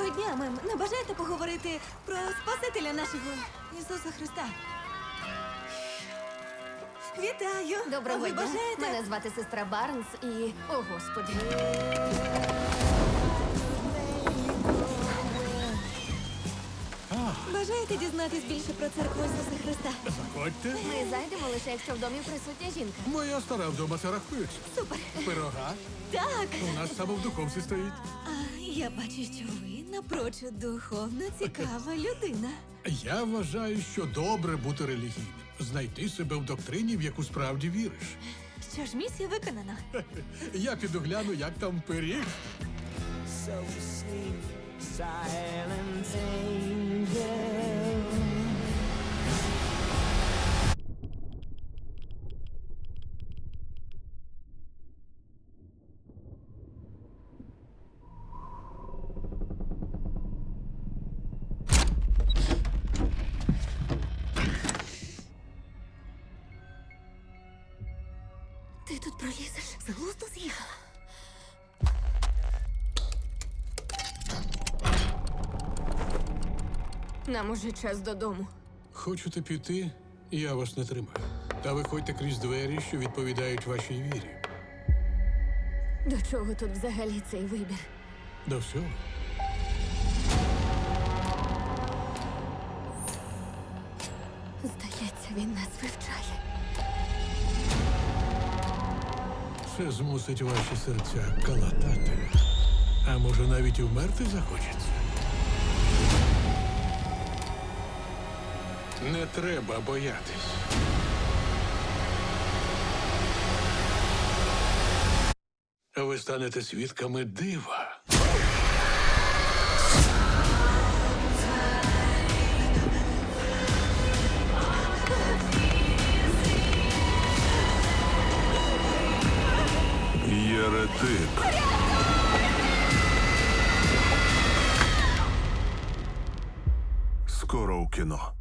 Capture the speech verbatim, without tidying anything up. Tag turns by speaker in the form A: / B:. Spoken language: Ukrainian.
A: дня, мем. Не бажаєте поговорити про Спасителя нашого Ісуса Христа? Вітаю!
B: Доброго
A: Ви
B: дня.
A: бажаєте?
B: Мене звати сестра Барнс і... О, Господи.
A: Бажаєте дізнатись більше про церкву Ісуса Христа?
C: Заходьте.
B: Ми зайдемо лише, якщо в домі присутня жінка.
C: Моя стара вдома це рахується.
A: Супер!
C: Пирога
A: Так!
C: у нас саме в духовці стоїть.
A: А я бачу, що ви напрочуд духовно цікава людина.
C: Я вважаю, що добре бути релігійним. Знайти себе в доктрині, в яку справді віриш.
A: Що ж, місія виконана.
C: Я піду гляну, як там пиріг.
D: So sleep, silent angel.
B: Ти тут пролізеш? З глузду з'їхала. Нам уже час додому.
C: Хочете піти? Я вас не тримаю. Та виходьте крізь двері, що відповідають вашій вірі.
B: До чого тут взагалі цей вибір?
C: До всього.
B: Здається, він нас вивчає.
C: Це змусить ваші серця калатати. А може, навіть і вмерти захочеться? Не треба боятись. Ви станете свідками дива.
E: Єретик. Скоро у кіно.